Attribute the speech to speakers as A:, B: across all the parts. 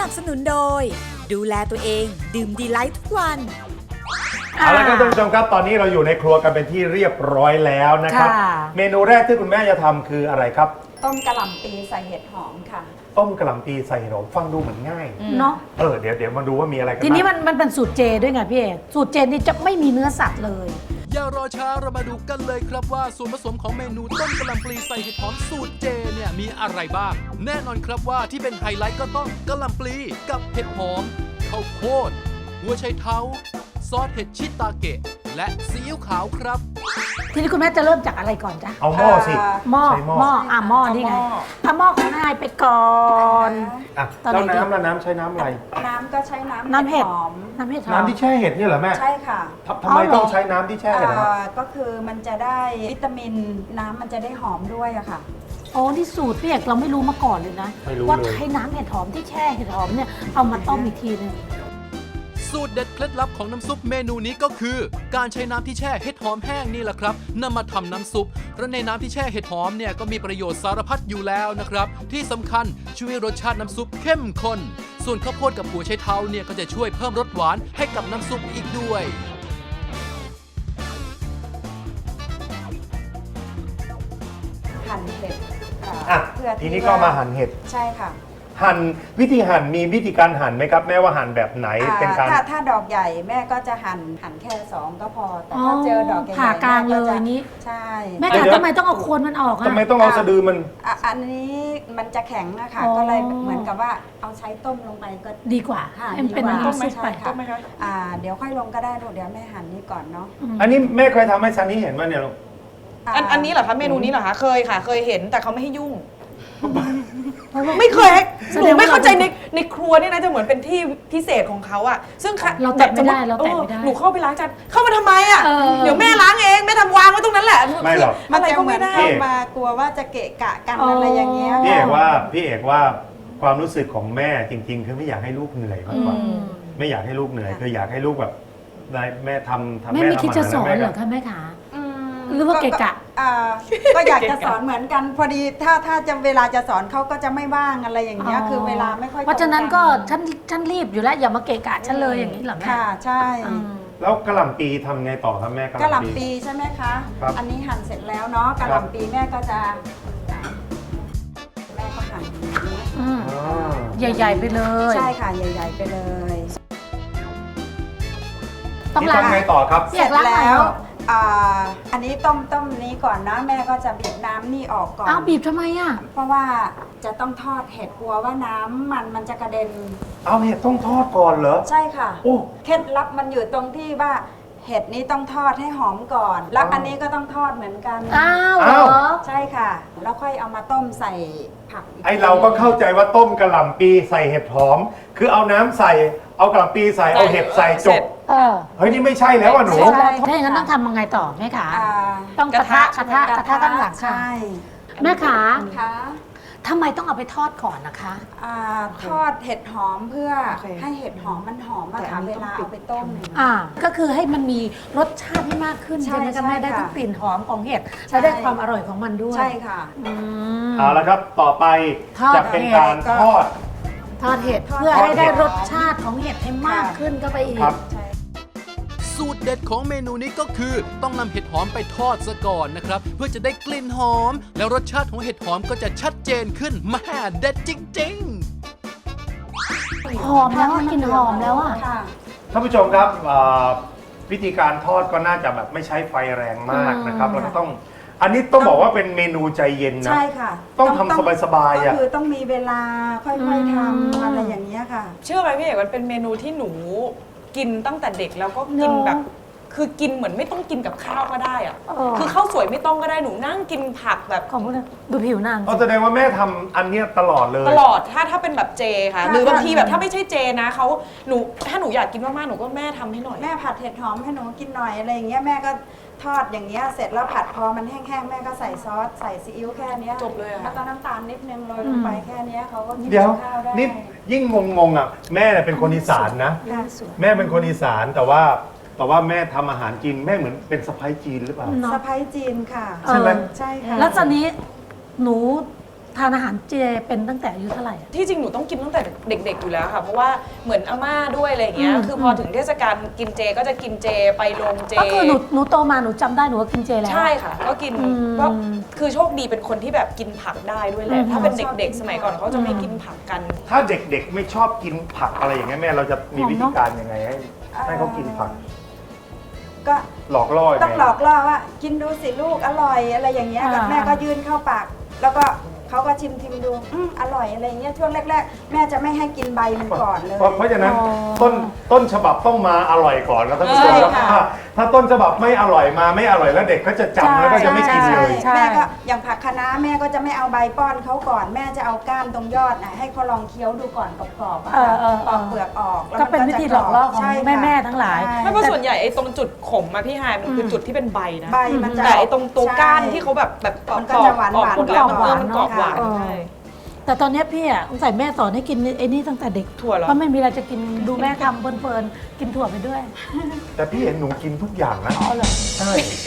A: นับสนุนโดยดูแลตัวเองดื่มดีไลท์ทุกวัน
B: เอาละครับท่านผู้ชมครับตอนนี้เราอยู่ในครัวกันเป็นที่เรียบร้อยแล้วนะครับเมนูแรกที่คุณแม่จะทำคืออะไรครับ
C: ต้มกะหล่ำปีใส่เห็ดหอมค่ะ
B: ต้มกะหล่ำปีใส่เห็ดหอมฟังดูเหมือนง่าย
D: เนาะ
B: เดี๋ยวมาดูว่ามีอะไรกัน
D: ทีนี้มันเป็นสูตรเจด้วยไงพี่เอกสูตรเจนี่จะไม่มีเนื้อสัตว์เลย
E: อย่ารอช้าเรามาดูกันเลยครับว่าส่วนผสมของเมนูต้มกะหล่ำปลีใส่เห็ดหอมสูตรเจเนี่ยมีอะไรบ้างแน่นอนครับว่าที่เป็นไฮไลท์ก็ต้องกะหล่ำปลีกับเห็ดหอมข้าวโพดหัวไชเท้าซอสเห็ดชิตาเกะและซีอิ๊วขาวครับ
D: ทีนี้คุณแม่จะเริ่มจากอะไรก่อนจ๊ะ
B: เอาหม้อสิ
D: หม้อหม้อนี่ไงเอาหม้อของนายไปก่อน
B: แล้วน้ำใช้น้ำอะไร
C: น้ำก็ใช้น้ำเห็ดหอม
B: น้ำที่แช่เห็ดนี่เหรอแม่
C: ใช่ค่ะ
B: ทำไมต้องใช้น้ำที่แช่เห็ด
C: ก็คือมันจะได้วิตามินน้ำมันจะได้หอมด้วยอะค่ะ
D: โอ้ที่สูตรพี่เอกเราไม่รู้มาก่อนเลยนะว่าใช้น้ำเห็ดหอมที่แช่เห็ดหอมเนี่ยเอามาต้มอีกทีนึง
E: สูตรเด็ดเคล็ดลับของน้ำซุปเมนูนี้ก็คือการใช้น้ำที่แช่เห็ดหอมแห้งนี่แหละครับนำมาทำน้ำซุปเพราะในน้ำที่แช่เห็ดหอมเนี่ยก็มีประโยชน์สารพัดอยู่แล้วนะครับที่สำคัญช่วยรสชาติน้ำซุปเข้มข้นส่วนข้าวโพดกับหัวไชเท้าเนี่ยก็จะช่วยเพิ่มรสหวานให้กับน้ำซุปอีกด้วย
C: หั่นเห็ด
B: ทีนี้ก็มาหั่นเห็ด
C: ใช่ค่ะ
B: หั่นวิธีหั่นมีวิธีการหั่นไหมครับแม่ว่าหั่นแบบไหนเป็นการ
C: ถ้าดอกใหญ่แม่ก็จะหั่นแค่2ก็พอแต่ถ้าเจอดอกใหญ่
D: ผ่ากลางเลยนี้
C: ใช่
D: แม่ทำไมต้องเอาโคนมันออก
B: ทำไมต้องเอาสะดือมัน
C: อันนี้มันจะแข็งนะคะก็เลยเหมือนกับว่าเอาใช้ต้มลงไปก็
D: ดีกว่าเป็นน้ำซุปไป
C: ต้มไหมคะเดี๋ยวค่อยลงก็ได้ลูกเดี๋ยวแม่หั่นนี่ก่อนเนาะ
B: อันนี้แม่เคยทำให้ซันนี่เห็นว่าเนี่ยลูก
F: อันนี้เหรอคะเมนูนี้เหรอคะเคยค่ะเคยเห็นแต่เขาไม่ให้ยุ่งไม่เคยหนูไม่เข้าใจในครัวนี่นะจะเหมือนเป็นที่พิเศษของเขาอะซึ่ง
D: เราแตะไม่ได้
F: หนูเข้าไปล้างจานเข้ามาทำไมอะเดี๋ยวแม่ล้างเองแม่ทำวางไว้ตรงนั้นแหละ
B: ไม่หรอก
C: อะไรก็ไม่ได้มากลัวว่าจะเกะกะกันอะไรอย่างเงี้ย
B: พี่เอกว่าความรู้สึกของแม่จริงๆคือไม่อยากให้ลูกเหนื่อยมากกว่าไม่อยากให้ลูกเหนื่อยคืออยากให้ลูกแบบแม่ทำ
D: แม่ไม่คิดจะสอนเหรอคะแม่ขาหรือว่าเกะกะ
C: ก็อยากจะสอนเหมือนกันพอดีถ้าจะเวลาจะสอนเขาก็จะไม่ว่างอะไรอย่างเงี้ยคือเวลาไม่ค่อย
D: เพราะฉะนั้นก็ฉันรีบอยู่แล้วอย่ามาเกะกะฉันเลยอย่างนี้เหรอแม่
C: ค่ะใช่
B: แล้วกะหล่ำปีทำไงต่อครับแม่
C: กะหล่ำปีใช่ไหมคะอันนี้หั่นเสร็จแล้วเนาะกะหล่ำปีแม่ก็จะแม่ก็หั่น
D: ใหญ่ๆไปเลย
C: ใช่ค่ะใหญ่ๆไปเลย
B: ต้องทำไงต่อครับ
C: เสร็จแล้วอันนี้ต้มนี้ก่อนนะแม่ก็จะบีบน้ำนี่ออกก่อน
D: บีบทำไมอ่ะ
C: เพราะว่าจะต้องทอดเห็ดกลัวว่าน้ำมันจะกระเด็น
B: เอาเห็ดต้องทอดก่อนเหรอ
C: ใช่ค่ะเคล็ดลับมันอยู่ตรงที่ว่าเห็ดนี้ต้องทอดให้หอมก่อนแล้วอันนี้ก็ต้องทอดเหมือนกันใช่ค่ะแล้วค่อยเอามาต้มใส่ผัก
B: ไอเราก็เข้าใจว่าต้มกะหล่ำปีใส่เห็ดหอมคือเอาน้ำใส่เอากะหล่ำปีใส่เอาเห็ดใส่จบเฮ้ยนี่ไม่ใช่แล้วอ่ะหนู
D: ถ้าอย่างนั้นต้องทำยังไงต่อแม่ขาต้องกระทะตั้งหลังใช่แม่ขาทำไมต้องเอาไปทอดก่อนนะคะ
C: ทอดเห็ดหอมเพื่อให้เห็ดหอมมันหอมมาค่ะเวลาเอาไปต้ม
D: ก็คือให้มันมีรสชาติที่มากขึ้นใช่ไหมคะแม่ได้ทั้งกลิ่นหอมของเห็ดและได้ความอร่อยของมันด้วย
C: ใช่ค่ะ
B: เอาละครับต่อไปจะเป็นการทอด
D: เห็ดเพื่อให้ได้รสชาติของเห็ดให้มากขึ้นก็ไปอีก
E: สูตรเด็ดของเมนูนี้ก็คือต้องนำเห็ดหอมไปทอดซะก่อนนะครับเพื่อจะได้กลิ่นหอมแล้วรสชาติของเห็ดหอมก็จะชัดเจนขึ้นมาเด็ดจริง
D: ๆหอมแล้วกลิ่นหอมแล้วอ่ะ
B: ท่านผู้ชมครับวิธีการทอดก็น่าจะแบบไม่ใช้ไฟแรงมากนะครับแล้วก็ต้องอันนี้ต้องบอกว่าเป็นเมนูใจเย็นนะ
C: ใช่ค่ะ
B: ต้องทำสบายๆ
C: ก็คือต้องมีเวลาค่อยๆทำอะไรอย่างเงี้ยค่ะ
F: เชื่อไหมพี่เอกมันเป็นเมนูที่หนูกินตั้งแต่เด็กแล้วก็กินแบบคือกินเหมือนไม่ต้องกินกับข้าวก็ได้อะคือข้าวสวยไม่ต้องก็ได้หนูนั่งกินผักแบบ
D: ของพวกนั้นดูผิวนาง
B: แสดงว่าแม่ทำอันนี้ตลอดเลย
F: ตลอดถ้าเป็นแบบเจค่ะหรือบางทีแบบถ้าไม่ใช่เจนะเขาถ้าหนูอยากกินมากๆหนูก็แม่ทำให้หน่อย
C: แม่ผัดเห็ดหอมให้หนูกินหน่อยอะไรอย่างเงี้ยแม่ก็ทอดอย่างเงี้ยเสร็จแล้วผัดพอมันแห้งๆแม่ก็ใส่ซอสใส่ซีอิ๊วแค่นี้
F: จบเลย
C: แล้วก็น้ำตาลนิดนึงโรยลงไปแค่นี้เขาก็กินข้าวได้
B: นี่ยิ่งงงอ่ะแม่เป็นคนอีสานนะแม่เป็นคนอีสานแต่ว่าแม่ทำอาหารจีนแม่เหมือนเป็นสะใภ้จีนหรือเปล่า
C: สะใภ้จีนค่ะ
B: ใช่ไหม
C: ใช่ค่ะ
D: แล้วตอนนี้หนูทานอาหารเจเป็นตั้งแต่อายุเท่าไหร่อะ
F: ที่จริงหนูต้องกินตั้งแต่เด็กๆอยู่แล้วค่ะ เพราะว่าเหมือนอาม่าด้วยอะไรอย่างเงี้ย
D: อืม
F: คือพอถึงเทศกาลกินเจก็จะกินเจไปโรงเจ
D: ก็คือหนูโตมาหนูจำได้หนูก็กินเจแล้ว
F: ใช่ค่ะ ก็กิน
D: อืม
F: ก็คือโชคดีเป็นคนที่แบบกินผักได้ด้วยแหละ
D: อืม
F: ถ้าเป็นเด็กๆ สมัยก่อนเขาจะไม่กินผักกัน
B: ถ้าเด็กๆไม่ชอบกินผักอะไรอย่างเงี้ยแม่เราจะมีวิธีการยังไงให้เขากินผัก
C: ก็
B: หลอกล่อยัง
C: ต้อง
B: ไง
C: หลอกล่อว่ากินดูสิลูกอร่อยอะไรอย่างเงี้ย
D: อ่า
C: แม่ก็ยื่นเข้าปาก แล้วก็เขาก็ชิมดูอร่อยอะไรอย่างเงี้ยช่วงแรกๆ แม่จะไม่ให้กินใบมันก่อนเลย
B: เพราะฉะนั้น
D: อ๋อ
B: ต้นฉบับต้องมาอร่อยก่อนแล้วท่านผู้ชมครับ
C: ใช่ค่ะ
B: ถ้าต้นฉบับไม่อร่อยมาไม่อร่อยแล้วเด็กก็จะจำแล้วก็จะไม่กินเลย
D: ใช่
C: แม่ก็อย่างผักคะน้าแม่ก็จะไม่เอาใบป้อนเขาก่อน แม่จะเอาก้านตรงยอดน่ะให้เขาลองเคี้ยวดูก่อนกรอบๆอะค่ะปอกเปลือกออกแล้ว
D: ก็
C: มั
D: เป็นวิธีหลอกล่อของ
C: ใช่ค่ะ
D: แม่ๆทั้งหลาย
C: ใช่
F: ไม่เพราะส่วนใหญ่ไอ้ตรงจุดขมอะพี่ฮายมันคือจุดที่เป็นใบนะ
C: ใบมันจะ
F: แต่ไอ้ตรงตัวก้าน
C: ใช่
F: ที่เขาแบบปอก
C: มันก็จะหวานๆ
F: ออกหมดแล้วมัน
D: หวานๆ
F: มันกรอบหวาน
D: เนอะ
F: ใช่
D: แต่ตอนเนี้ยพี่อ่ะสงสัยแม่สอนให้กินไอ้นี่ตั้งแต่เด็ก
F: ถั่วเหรอ
D: เพราะไม่มีอะไรจะกินดูแม่ทำเพลินๆกินถั่วไปด้วย
B: แต่พี่เห็นหนูกินทุกอย่างนะ
D: อ๋อเหรอ
B: ใช่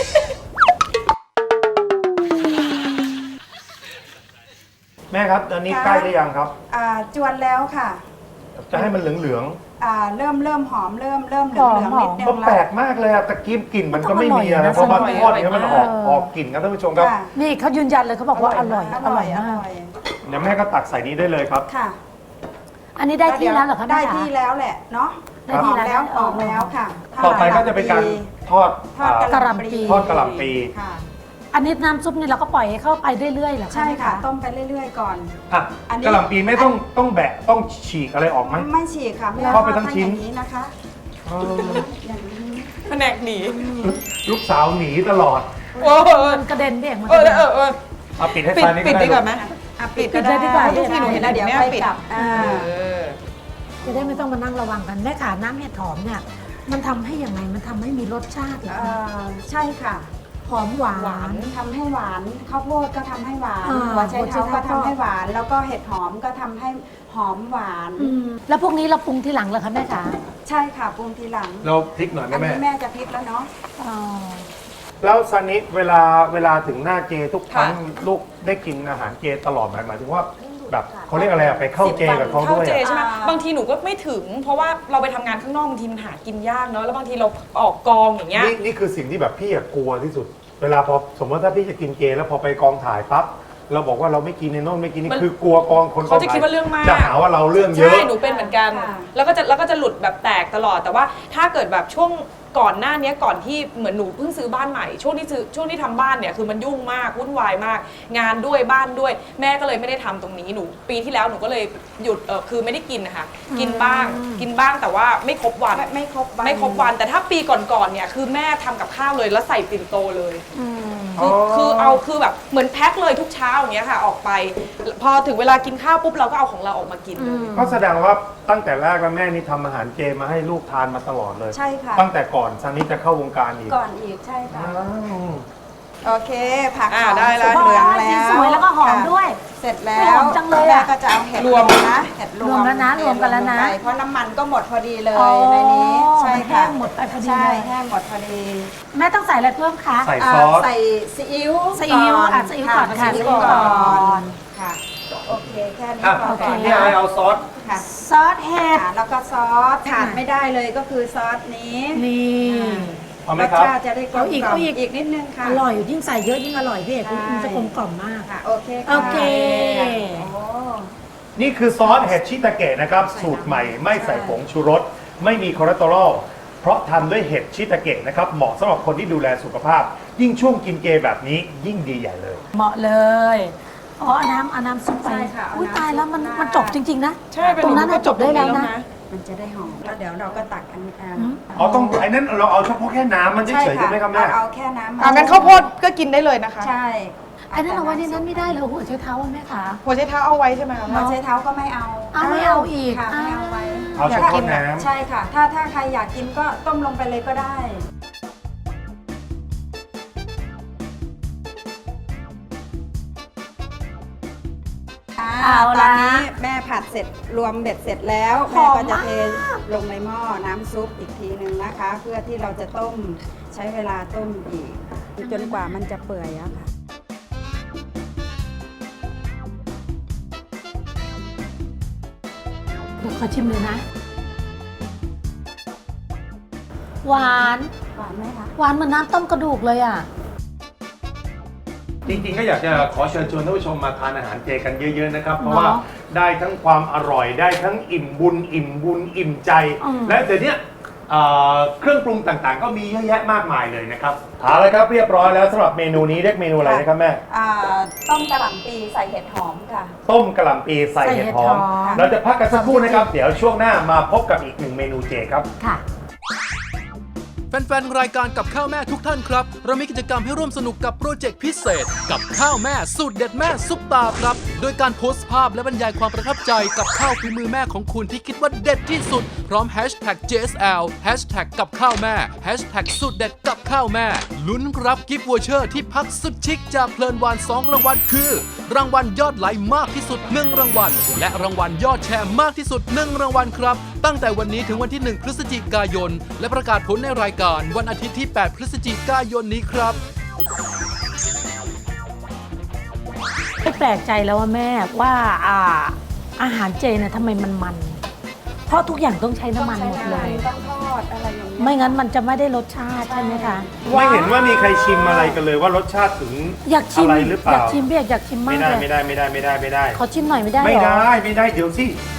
B: แม่ครับตอนนี้ใกล้หรือยังครับ
C: จวนแล้วค่ะ
B: จะให้มันเหลือง
C: เริ่มหอมเริ่มเหลืองๆนิดนึ
B: ๆก็
C: ง
B: แปล
C: แล้ว
B: กมากเลยอะตะกี้กลิ่นมันก็ไม่มีอะ
D: มัน
B: นะ
D: ต้อง
B: เพราะมัน
D: อร่อย
B: ทอดเนี้ยมัน
F: อร่
B: อ
F: อย
B: อกออกกลิ่นครับท่านผู้ชมครับ
C: ค่ะ
D: นี่เขายืนยันเลยเขาบอกว่าอร่อยอร่อยมาก
B: เดี๋ยวแม่ก็ตักใส่นี้ได้เลยครับ
C: ค่ะ
D: อันนี้ได้ที่แล้วเหรอคะ
C: ได้
D: แม่คะ
C: ที่แล้วแหละเนาะ
D: ได้ที่แล้ว
C: ออกแล้วค่ะ
B: ต่อไปก็จะเป็นการทอด
C: ทอด
D: กะหล่ำปี
B: ทอดกะหล่ำปี
C: ค่ะ
D: อันนี้น้ำซุปนี่เราก็ปล่อยให้เข้าไปเรื่อยๆเหรอคะ
C: ใช่ค่ะ
D: แม่
C: ต้มไปเรื่อยๆก่อน
B: อ่ะ
C: อันนี้
B: กะหล่ำปีไม่ต้องแบะต้องฉีกอะไรออกไหม
C: ไม่ฉีกค่ะไม่
B: ทอดไปทั้งชิ้น
C: อย่างนี้นะคะ
B: เออ
C: อย่างนี้
F: แผนกหนี
B: ลูกสาวหนีตลอด
F: โอ้โห
D: มันกระเด็นเบี่ยงมัน
F: เอก
D: ระ
F: อ
D: เด็น
B: เอาปิดให้
F: ปิด
B: ไฟนี่
F: ปิด
B: ก็
F: ดีกว่า
B: ได้
F: ไหม
C: ปิด
D: ปิดเลยดีกว่า
C: ทุกทีหนูเห็นแล้วเดี๋ยว
F: แม่
C: ค่อย
F: ปิด
C: จับ
F: เออ
D: จะได้ไม่ต้องมานั่งระวังกันแม่ขาน้ำเห็ดหอมเนี่ยมันทำให้ยังไงมันทำให้มีรสชาติเหรอคะ
C: ใช่ค่ะ
D: หอมหวา
F: หวาน
D: น
C: ทำให้หวานข้าวโพดก็ทำให้หวาน
D: อ่า
C: หัวไชเท้า
D: หัวไช
C: ก็
D: เท้า
C: ทำให้หวาน แล้วก็เห็ดหอมก็ทำให้หอมหวาน
D: แล้วพวกนี้เราปรุงทีหลังเหรอคะแม่ขา
C: ใช่ค่ะปรุงทีหลัง
B: เราพริกหน่อย
C: อั
B: นะ
C: น
B: แม่
C: นี้แม่จะพริกแล้วเนาะ
D: อ๋อ
B: แล้วซันนี้เวลาถึงหน้าเจทุกครั้งลูกได้กินอาหารเจตลอดหมายถึงว่าแบบเขาเรียกอะไรอะไปเข้าเจกับเขา
F: เข้า
B: ด้วย
F: เจ
B: อะ
F: ใช่ไหมบางทีหนูก็ไม่ถึง เพราะว่าเราไปทำงานข้างนอกบางทีมันหากินยากเนาะแล้วบางทีเราออกกองอย่างเงี้ย
B: นี่คือสิ่งที่แบบพี่อะกลัวที่สุด เวลาพอสมมติถ้าพี่จะกินเจแล้วพอไปกองถ่ายปั๊บเราบอกว่าเราไม่กินในโน่นไม่กินนี่
F: มัน
B: คือกลัวกองคนกอง
F: เขาจะ
B: ถ่าย
F: คิดว่าเรื่องมาก
B: จะหาว่าเราเรื่องเยอะ
F: ใช่หนูเป็นเหมือนกัน แล้วก็จะหลุดแบบแตกตลอด แต่ว่าถ้าเกิดแบบช่วงก่อนหน้านี้ก่อนที่เหมือนหนูเพิ่งซื้อบ้านใหม่ช่วงที่ทำบ้านเนี่ยคือมันยุ่งมากวุ่นวายมาก งานด้วยบ้านด้วย แม่ก็เลยไม่ได้ทำตรงนี้หนูปีที่แล้วหนูก็เลยหยุดคือไม่ได้กินนะคะกินบ้างแต่ว่าไม่ครบวัน
C: ไม่ครบวัน
F: ไม่ครบวันแต่ถ้าปีก่อนๆเนี่ยคือแม่ทำกับข้าวเลยแล้วใส่ปิ่นโตเลย คือแบบเหมือนแพ็คเลยทุกเช้าอย่างเงี้ยค่ะออกไป พอถึงเวลากินข้าวปุ๊บเราก็เอาของเราออกมากินเลย
B: ก็แสดงว่าตั้งแต่แรกแล้วแม่นี่ทำอาหารเจมาให้ลูกทานมาตลอดเลย
C: ใช่ค่ะ
B: ตั้งแต่ก่อนซันนี่จะเข้าวงการอีก
C: ก่อนอีกใช่ค่ะ
B: อ้าว
C: โอเค ผักหอม
F: ได้แล้ว
C: สุกเหลืองแล้ว
D: สวยแล้วก็หอมด้วย
C: เสร็จแล้
D: ห
C: ว
D: อมจังเลย
C: แม่
D: อะ
C: ก็จะเอาเห็ด
F: รวม
C: นะเห็ดรวม
D: รวมแล้วนะรวมกันแล้วนะ
C: ลงไปเพราะน้ำมันก็หมดพอดีเลย
D: อ๋อ
C: ในนี้ใช่
D: มันแห้
C: ค่ะ
D: งหมดไปพอดี
C: ใช่
D: เลย
C: แห้งหมดพอดี
D: แม่ต้องใส่อะไรเพิ่มคะ
B: ใส่ซอส
C: ใส่ซีอิ๊ว
D: ซีอิ๊วอ่ะซีอิ๊วก่อนค่ะ
C: ซีอิ๊ว
D: ซีอิ๊วก่
C: ก่
D: อ
C: อน นค่ะโอเคแค่นี้
B: อ่ะ
C: พอ
D: โอเค
C: ก่อน
B: นี่ไอเอาซอส
C: ค่ะ
D: ซอสเห็ด
C: แล้วก็ซอสขาดไม่ได้เลยก็คือซอสนี้
D: นี่
B: เอาไหม
C: รส
B: ครับ
C: ชาติจะได้กลม
D: เอาอีก
C: กล่อม
D: เอาอีก
C: อีกนิดนึงค่ะ
D: อร่อยยิ่งใส่เยอะยิ่งอร่อยพี่เอก
C: ใช่
D: มันจะกลมกล่อมมาก
C: ค่ะโอเคค่ะ
D: โอเค
C: โอ้
B: นี่คือซอสเห็ดชิตาเกะนะครับ สูตรใหม่ไม่ใส่ผงชูรส ไม่มีคอเลสเตอรอลเพราะทำด้วยเห็ดชิตาเกะนะครับ เหมาะสำหรับคนที่ดูแลสุขภาพ ยิ่งช่วงกินเจแบบนี้ยิ่งดีใหญ่เลย
D: เหมาะเลยอ๋อเอาน้ำซุปไป
C: ใช่ค่ะเอา
D: อุ้ย
C: น้ำ
D: ตายแล้ว
C: ซุป
D: มัน
C: ราด
D: มันจบจริง ๆ นะ
F: ใช่เป็น
D: ตรงนั้น
F: หนูก็
D: น่ะจบได้แล้วนะ
C: มันจะได้หอมแล้วเดี๋ยวเราก็ตักอันนี้
B: อ๋อต้องไอ้นั้นเราเอาเฉพาะแค่น้ำมันเฉยๆใช่ไหมครับแม่
C: เอาแค่น้ำ
F: งั้นข้าวโพดก็กินได้เลยนะคะ
C: ใช่
D: ไอ้นั่นเอาไว้ในนั้นไม่ได้เลยหัวใช้เท้าอะแม่ขา
F: หัวไชเท้าเอาไว้ใช่ไหมคะ
C: หัวไชเท้าก็ไม่เอา
D: เอาไม่เอาอีก
C: ค่ะไม่เอาไว้
B: เอาเฉพาะน้ำ
C: ใช่ค่ะ ถ้าใครอยากกินก็ต้มลงไปเลยก็ได้
D: เอา
C: ต
D: ละ
C: อนนี้แม่ผัดเสร็จรวมเบ็ดเสร็จแล้ว
D: ห
C: แม่
D: อม
C: ก็จะ
D: มาก
C: เทลงในหม้อน้ำซุปอีกทีหนึ่งนะคะ เพื่อที่เราจะต้มใช้เวลาต้มอีก จนกว่ามันจะเปื่อยอะค่ะ
D: ขอชิมเลยนะ หวาน
C: หวานไหมคะ
D: หวานเหมือนน้ำต้มกระดูกเลยอ่ะ
B: จริงๆก็อยากจะขอเชิญชวนท่านผู้ชมมาทานอาหารเจกันเยอะๆนะครับ เพราะว่าได้ทั้งความอร่อยได้ทั้งอิ่มบุญอิ่มใจ และเดี๋ยวนี้เครื่องปรุงต่างๆ ก็มีเยอะแยะมากมายเลยนะครับเอาละครับเรียบร้อยแล้วสำหรับเมนูนี้เรียกเมนูอะไรนะครับแม่
C: ต้มกะหล่ำปีใส่เห็ดหอมค่ะ
B: ต้มกะหล่ำปีใส่เห็ดหอม เราจะพักกันสักครู่นะครับ เดี๋ยวช่วงหน้ามาพบกับอีกหนึ่งเมนูเจครับ
D: ค่ะ
E: แฟนๆ รายการกับข้าวแม่ทุกท่านครับ เรามีกิจกรรมให้ร่วมสนุกกับโปรเจกต์พิเศษ กับข้าวแม่สูตรเด็ดแม่ซุปตาครับ โดยการโพสต์ภาพและบรรยายความประทับใจกับข้าวฝีมือแม่ของคุณที่คิดว่าเด็ดที่สุด พร้อมแฮชแท็ก JSL แฮชแท็กกับข้าวแม่แฮชแท็กสูตรเด็ดกับข้าวแม่ลุ้นรับกิฟต์วอเชอร์ที่พักสุดชิคจากเพลินวาน2 รางวัลคือ รางวัลยอดไลค์มากที่สุด1 รางวัลและรางวัลยอดแชร์มากที่สุด1 รางวัลครับตั้งแต่วันนี้ถึงวันที่1 พฤศจิกายนและประกาศผลในรายการวันอาทิตย์ที่ 8 พฤศจิกายนนี้ครับ
D: ไม่แปลกใจแล้วว่าแม่ว่าอาหารเจเนี่ยทำไมมันเพราะทุกอย่างต้องใช้น้ำมันหมดเลย
C: ต้องทอดอะไรอย่างเงี้ย
D: ไม่งั้นมันจะไม่ได้รสชาติใช่ไหมคะ
B: ไม่เห็นว่ามีใครชิมอะไรกันเลยว่ารสชาติถึง
D: อยากชิม
B: อะไรหรือเปล่า
D: อยากชิมพี่อยากชิมมาก
B: ไม่ได้
D: เลย
B: ไม่ได้
D: ขอชิมหน่อยไม่ได้
B: ไม่
D: เหรอ
B: ได้เดี๋ยวสิ